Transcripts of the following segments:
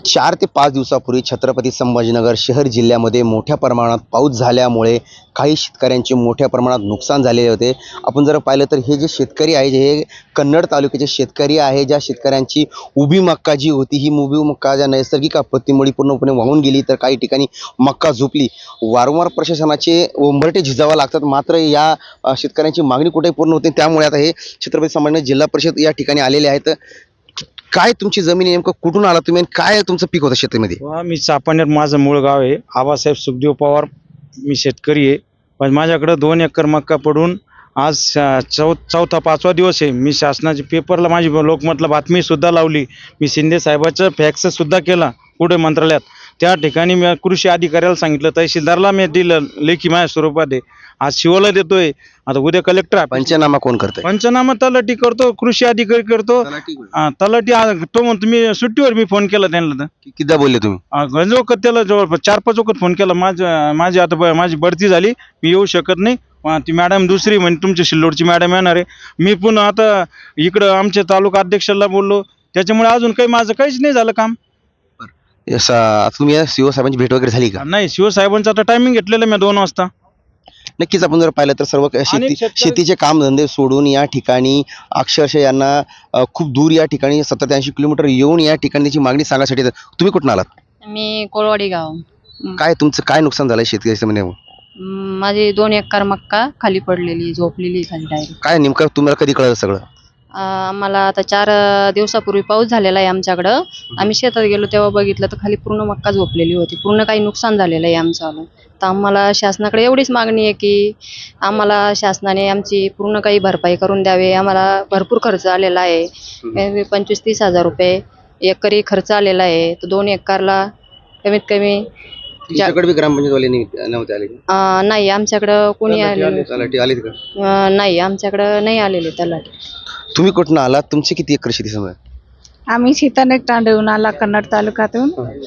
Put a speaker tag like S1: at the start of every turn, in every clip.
S1: 4 ते 5 दिवसापूर्वी छत्रपती संभाजीनगर शहर जिल्ह्यामध्ये मोठ्या प्रमाणात पाऊस झाल्यामुळे काही शेतकऱ्यांचे मोठ्या प्रमाणात नुकसान झालेले होते. आपण जर पाहिलं तर हे जे शेतकरी आहे, हे कन्नड तालुक्याचे शेतकरी आहे. ज्या शेतकऱ्यांची उभी मक्का जी होती, ही उभी मक्का ज्या नैसर्गिक आपत्तीमुळे पूर्णपणे वाहून गेली, तर काही ठिकाणी मक्का झोपली. वारंवार प्रशासनाचे उंबरठे झिजावे लागतात, मात्र या शेतकऱ्यांची मागणी कुठेही पूर्ण होते. त्यामुळे आता हे छत्रपती संभाजीनगर जिल्हा परिषद या ठिकाणी आलेले आहेत. काय तुमची जमीन आहे, नेमकं कुठून आला तुम्ही आणि काय तुमचं पीक होतं शेतीमध्ये?
S2: मी चापानेर माझं मूळ गाव आहे. आबासाहेब सुखदेव पवार. मी शेतकरी आहे, पण माझ्याकडं 2 एकर मक्का पडून आज चौथा 5वा दिवस आहे. मी शासनाच्या पेपरला माझी लोकमतला बातमी सुद्धा लावली. मी शिंदे साहेबाचं फॅक्स सुद्धा केला पुढे मंत्रालयात. त्या ठिकाणी मी कृषी अधिकाऱ्याला सांगितलं, तहसीलदारला मी दिलं लेखी माझ्या स्वरूपात आहे. आज शिवाला देतोय, आता उद्या कलेक्टर
S1: पंचनामा कोण करतंय?
S2: पंचनामा तलाठी करतो, कृषी अधिकारी करतो. तलाठी तो म्हणतो मी सुट्टीवर. मी फोन केला त्यांना,
S1: कितीदा बोलले तुम्ही?
S2: गंजोकत त्याला जवळपास 4-5 वखत फोन केला. माझी आता माझी बढती झाली, मी येऊ शकत नाही. ती मॅडम दुसरी म्हणजे तुमच्या सिल्लोडची मॅडम येणार आहे. मी पुन्हा आता इकडं आमच्या तालुका अध्यक्षाला बोललो, त्याच्यामुळे अजून काही माझं काहीच नाही झालं काम.
S1: तुम्ही या सीओ साहेबांची भेट वगैरे झाली का?
S2: नाही, शिवसाहेबांचं आता टायमिंग घेतलेलं मी 2 वाजता.
S1: नक्कीच आपण जर पाहिलं तर सर्व शेतीचे कामधंदे सोडून या ठिकाणी अक्षरशः यांना खूप दूर या ठिकाणी 70 ते 80 किलोमीटर येऊन या ठिकाणी त्याची मागणी सांगण्यासाठी येतात. तुम्ही कुठून आलात?
S3: मी कोळवाडी गाव.
S1: काय तुमचं काय नुकसान झालंय शेतकरी?
S3: माझी 2 एकर मक्का खाली पडलेली, झोपलेली खाली डायरेक्ट.
S1: काय नेमकं तुम्हाला कधी कळलं सगळं?
S3: आम्हाला आता 4 दिवसापूर्वी पाऊस झालेला आहे आमच्याकडं. आम्ही शेतात गेलो तेव्हा बघितलं तर खाली पूर्ण मक्का झोपलेली होती. पूर्ण काही नुकसान झालेलं आहे आमचं. तर आम्हाला शासनाकडे एवढीच मागणी आहे की आम्हाला शासनाने आमची पूर्ण काही भरपाई करून द्यावे. आम्हाला भरपूर खर्च आलेला आहे. 25-30 हजार रुपये एकरी खर्च आलेला आहे. तर 2 एकरला कमीत कमी
S1: तुमच्याकडे बी ग्रामपंचायतवाले नव्हते आले?
S3: नाही, आमच्याकडं कोणी आले
S1: तलाठी आले का?
S3: नाही, आमच्याकडं नाही आलेले तलाठी.
S1: तुम्ही कुठून आलात? तुमची किती एकर शेती समजा?
S4: आम्ही सीतानेर तांडवून आला, कन्नड तालुक्यातून.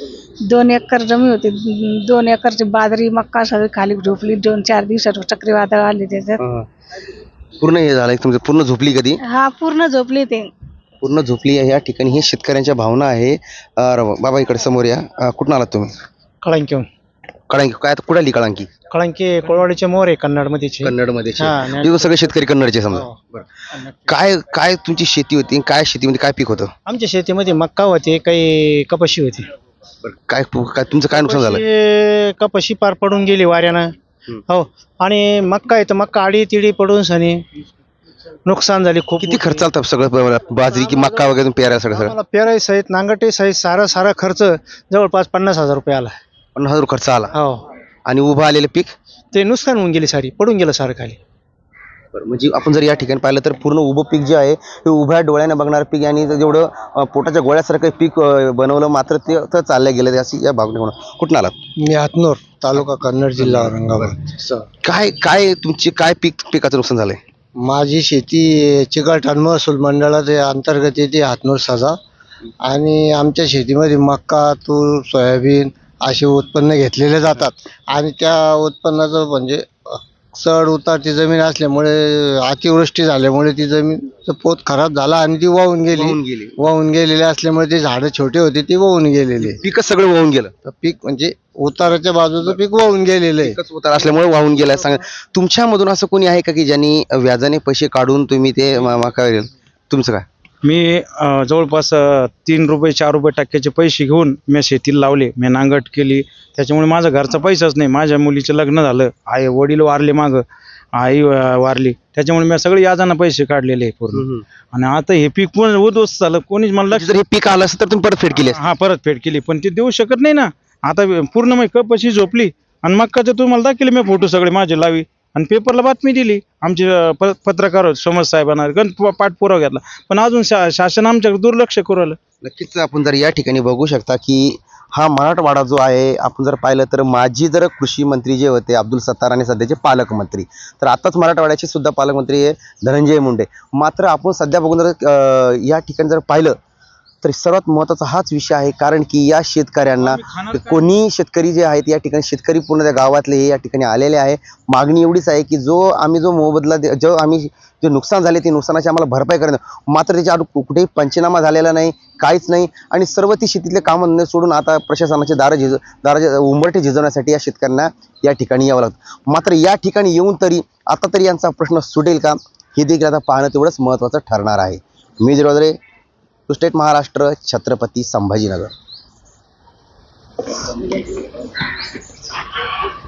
S4: 2 एकर जमीन होती. 2 एकरची बाजरी मक्का सगळी खाली झोपली. 2-4 दिवसात चक्रीवादळ आले त्याच्यात.
S1: पूर्ण हे झालं तुमचं? पूर्ण झोपली कधी?
S4: हा, पूर्ण झोपली ते.
S1: पूर्ण झोपली आहे. या ठिकाणी हे शेतकऱ्यांच्या भावना आहे. बाबा इकडे समोर या. कुठून आलात तुम्ही?
S2: कळंकी.
S1: कळंकी. काय कुठे आली कळंकी?
S2: कळंकी कोळवाडीचे मोर आहे, कन्नडमध्ये.
S1: कन्नडमध्ये सगळे शेतकरी कन्नडचे समजा. काय काय तुमची शेती होती? काय शेतीमध्ये काय पीक होतं?
S2: आमच्या शेतीमध्ये मक्का होते, काही कपाशी होती.
S1: काय काय तुमचं काय नुकसान झालं?
S2: कपाशी पार पडून गेली वाऱ्यानं. हो, आणि मक्का आहे तर मक्का आडी तिडी पडून सनी नुकसान झाली खूप.
S1: किती खर्च आला सगळं? बाजरी की मक्का वगैरे पेरा सगळं?
S2: पेराई सहित नांगटे सहित सारा खर्च जवळपास 50,000 रुपये आला.
S1: 50,000 खर्च आला.
S2: हो,
S1: आणि उभं आलेलं पीक
S2: ते नुकसान होऊन गेली, सारी पडून गेलं सारं खाली.
S1: म्हणजे आपण जर या ठिकाणी पाहिलं तर पूर्ण उभं पीक जे आहे हे उभ्या डोळ्याने बघणारं पीक, आणि जेवढं पोटाच्या गोळ्यासारखं पीक बनवलं मात्र ते तर चाललं गेलं. अशी या भागने होणं. कुठून आलात?
S2: मी हातनूर, तालुका कन्नड, जिल्हा औरंगाबाद.
S1: काय काय तुमची काय पिकाचं नुकसान झालंय?
S2: माझी शेती चिकलठाण महसूल मंडळाच्या अंतर्गत येते, हातनूर सजा. आणि आमच्या शेतीमध्ये मक्का, तूर, सोयाबीन असे उत्पन्न घेतलेले जातात. आणि त्या उत्पन्नाचं म्हणजे चढ उतारची जमीन असल्यामुळे अतिवृष्टी झाल्यामुळे ती जमीन पोत खराब झाला आणि ती वाहून गेलेली असल्यामुळे ते झाडं छोटे होते ते वाहून गेलेले.
S1: पीक सगळं वाहून गेलं.
S2: पीक म्हणजे उताराच्या बाजूचं पीक वाहून गेलेलं आहे.
S1: उतार असल्यामुळे वाहून गेलाय. सांगा, तुमच्यामधून असं कोणी आहे का की ज्यांनी व्याजाने पैसे काढून तुम्ही ते तुमचं काय?
S2: मी जवळपास 3 रुपये 4 रुपये टक्क्याचे पैसे घेऊन मी शेतीला लावले. मी नांगट केली, त्याच्यामुळे माझा घरचा पैसाच नाही. माझ्या मुलीचं लग्न झालं, वडील वारले, आई वारली, त्याच्यामुळे मी सगळे याजाना पैसे काढलेले पूर्ण. आणि आता हे पीक पण उद्ध्वस्त झालं. कोणीच म्हणलं
S1: जर हे पीक आलं असतं तर तुम्ही परतफेड केली असती.
S2: हा, परतफेड केली, पण ते देऊ शकत नाही ना. आता पूर्ण मग कपाशी झोपली. आणि मक्काचे तुम्हाला दाखवले मी फोटो सगळे माझे लावी, आणि पेपरला बातमी दिली. आमचे पत्रकार समज साहेबांना पाठपुरावा घेतला, पण अजून शासन आमच्याकडे दुर्लक्ष करू राहिलं.
S1: नक्कीच आपण जर या ठिकाणी बघू शकता की हा मराठवाडा जो आहे, आपण जर पाहिलं तर माजी जर कृषी मंत्री जे होते अब्दुल सत्तार आणि सध्याचे पालकमंत्री, तर आताच मराठवाड्याचे सुद्धा पालकमंत्री आहे धनंजय मुंडे. मात्र आपण सध्या बघून जर या ठिकाणी जर पाहिलं तर सर्वात महत्त्वाचा हाच विषय आहे, कारण की या शेतकऱ्यांना कोणी शेतकरी जे आहेत या ठिकाणी शेतकरी पूर्ण त्या गावातले हे या ठिकाणी आलेले आहे. मागणी एवढीच आहे की जो मोबदला जो आम्ही जे नुकसान झाले ते नुकसानाची आम्हाला भरपाई करणं, मात्र त्याच्या कुठेही पंचनामा झालेला नाही, काहीच नाही. आणि सर्व ती शेतीतले कामं सोडून आता प्रशासनाचे दाराचे उंबरठे झिजवण्यासाठी या शेतकऱ्यांना या ठिकाणी यावं लागतं. मात्र या ठिकाणी येऊन तरी आता तरी यांचा प्रश्न सुटेल का, हे देखील आता पाहणं तेवढंच महत्त्वाचं ठरणार आहे. मी जिरोदरे, टू स्टेट महाराष्ट्र, छत्रपती संभाजीनगर.